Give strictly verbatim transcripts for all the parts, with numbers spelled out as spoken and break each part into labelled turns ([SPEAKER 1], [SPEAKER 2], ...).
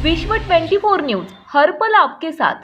[SPEAKER 1] विश्व चोवीस न्यूज हर पल आपके साथ।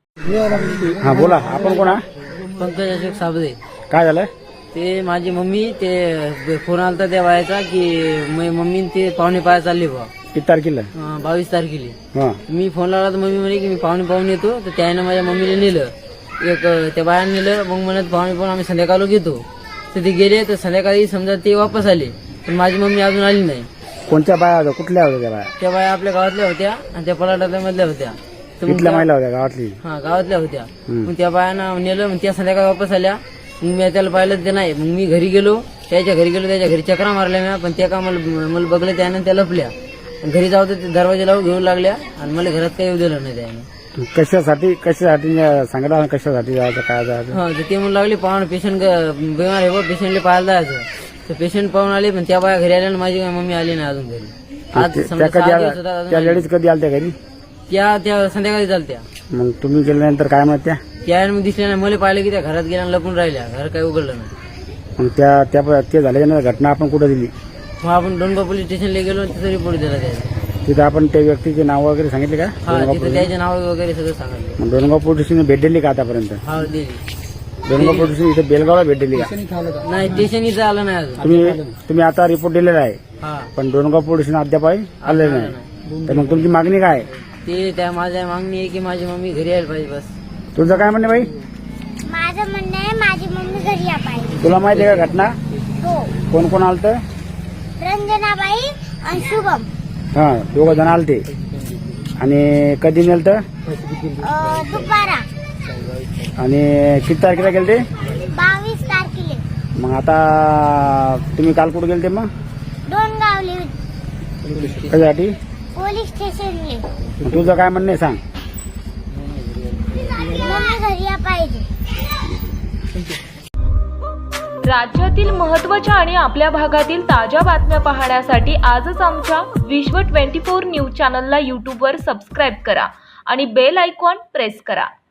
[SPEAKER 2] हा बोला, आपण कोण?
[SPEAKER 3] पंकज अशोक साबदे।
[SPEAKER 2] काय झालं?
[SPEAKER 3] ते माझी मम्मी ते फोन आलता त्या बायाचा की मम्मी ते पाहुणे पाया चालली बा।
[SPEAKER 2] किती तारखेला?
[SPEAKER 3] बावीस तारखेला।
[SPEAKER 2] हा
[SPEAKER 3] मी फोन लावला तर मम्मी म्हणे की मी पाहुणे पाहून येतो, तर त्याने माझ्या मम्मीला नेलं, एक त्या बायाने नेलं। मग म्हणत पाहुणे पाहून आम्ही संध्याकाळला घेतो, तर ते गेले। तर संध्याकाळी समजा ते वापस आले, पण माझी मम्मी अजून आली नाही।
[SPEAKER 2] कोणत्या बाया होत्या? कुठल्या होत्या त्या बाया?
[SPEAKER 3] त्या बाया आपल्या गावातल्या होत्या आणि त्या पलाटातल्या मधल्या होत्या। तर मग
[SPEAKER 2] कुठल्या
[SPEAKER 3] त्या-
[SPEAKER 2] महिला होत्या गावातली?
[SPEAKER 3] हा गावातल्या होत्या।
[SPEAKER 2] हम्म.
[SPEAKER 3] मग त्या बायांना नेलं, मग त्या संध्याकाळी वापस आल्या। मग मी त्याला पाहिलं ते नाही, मग मी घरी गेलो, त्याच्या घरी गेलो, त्याच्या घरी चक्रा मारल्या मी, पण त्या का मला मला बघलं त्यानं, त्या लपल्या। घरी जाऊ तर दरवाजा लावून घेऊन लागल्या आणि मला घरात काही येऊ दिलं नाही त्याने।
[SPEAKER 2] कशासाठी कशासाठी सांगितलं ना, कशासाठी जायचं, काय जायचं?
[SPEAKER 3] हा तर ते म्हणू लागले पाहून पेशंट बिमार आहे बा, पेशंटला पाहायला जायचं। तर पेशंट पाहून आले, पण त्या बाया घरी आल्या आणि माझी मम्मी आली नाही अजून घरी। आज
[SPEAKER 2] ते-
[SPEAKER 3] समजा
[SPEAKER 2] त्या
[SPEAKER 3] सहा
[SPEAKER 2] कधी
[SPEAKER 3] दिवस
[SPEAKER 2] आल्या?
[SPEAKER 3] होता, अजून
[SPEAKER 2] त्या
[SPEAKER 3] आली
[SPEAKER 2] लेडीज कधी आल्या त्या घरी?
[SPEAKER 3] नाही। त्या त्या संध्याकाळी चालत्या।
[SPEAKER 2] मग तुम्ही गेल्यानंतर काय म्हणत त्या?
[SPEAKER 3] त्या मग दिसल्या नाही, मला पाहिलं की त्या घरात गेल्या आणि लपून राहिल्या, घर काही उघडलं नाही।
[SPEAKER 2] मग त्या त्या ते झाल्याच्या घटना आपण कुठं दिली?
[SPEAKER 3] मग आपण डोनगाव पोलीस स्टेशनला गेलो आणि तिथं रिपोर्ट दिला त्याचा।
[SPEAKER 2] तिथं आपण त्या व्यक्तीचे नाव वगैरे सांगितले का?
[SPEAKER 3] हा
[SPEAKER 2] डोनगाव
[SPEAKER 3] तिथं
[SPEAKER 2] पोलीस-
[SPEAKER 3] त्याचे नाव वगैरे सगळं सांगितलं।
[SPEAKER 2] मग डोनगाव पोलीस स्टेशन भेट दिली का आतापर्यंत?
[SPEAKER 3] हा दिली।
[SPEAKER 2] डोनगाव पोलीस स्टेशन इथे बेलगावला भेट दिली का?
[SPEAKER 3] नाही स्टेशन इथं आलं नाही अजून।
[SPEAKER 2] तुम्ही तुम्ही आता रिपोर्ट दिलेला आहे,
[SPEAKER 3] हा
[SPEAKER 2] पण डोनगाव पोलीस स्टेशन अद्याप आले
[SPEAKER 3] आलं
[SPEAKER 2] नाही। तर मग तुमची मागणी काय आहे?
[SPEAKER 3] ते त्या माझ्या मागणी आहे की माझी मम्मी घरी यायला पाहिजे बस।
[SPEAKER 2] तुझं काय म्हणणं बाई?
[SPEAKER 4] माझं म्हणणं आहे माझी मम्मी घरी या पाहिजे।
[SPEAKER 2] तुला माहिती आहे का घटना?
[SPEAKER 4] हो,
[SPEAKER 2] कोण कोण आलत?
[SPEAKER 4] रंजनाबाई आणि शुभम
[SPEAKER 2] हा दोघं जण आलते। आणि कधी नेलत?
[SPEAKER 4] अं, दुपारा
[SPEAKER 2] आणि किती तारखेला गेलते?
[SPEAKER 4] बावीस तारखेला
[SPEAKER 2] मग आता तुम्ही काल कुठे गेलते? मग
[SPEAKER 4] डोनगावले
[SPEAKER 2] कशासाठी?
[SPEAKER 4] पोलीस स्टेशनले।
[SPEAKER 2] मग तुझं काय म्हणणं आहे सांग?
[SPEAKER 4] मम्मी घरी या पाहिजे।
[SPEAKER 1] राज्यातील महत्त्वाच्या आणि आपल्या भागातील ताज्या बातम्या पाहण्यासाठी आजच आमच्या विश्व चोवीस न्यूज चॅनलला यूट्यूबवर सबस्क्राईब करा आणि बेल आयकॉन प्रेस करा।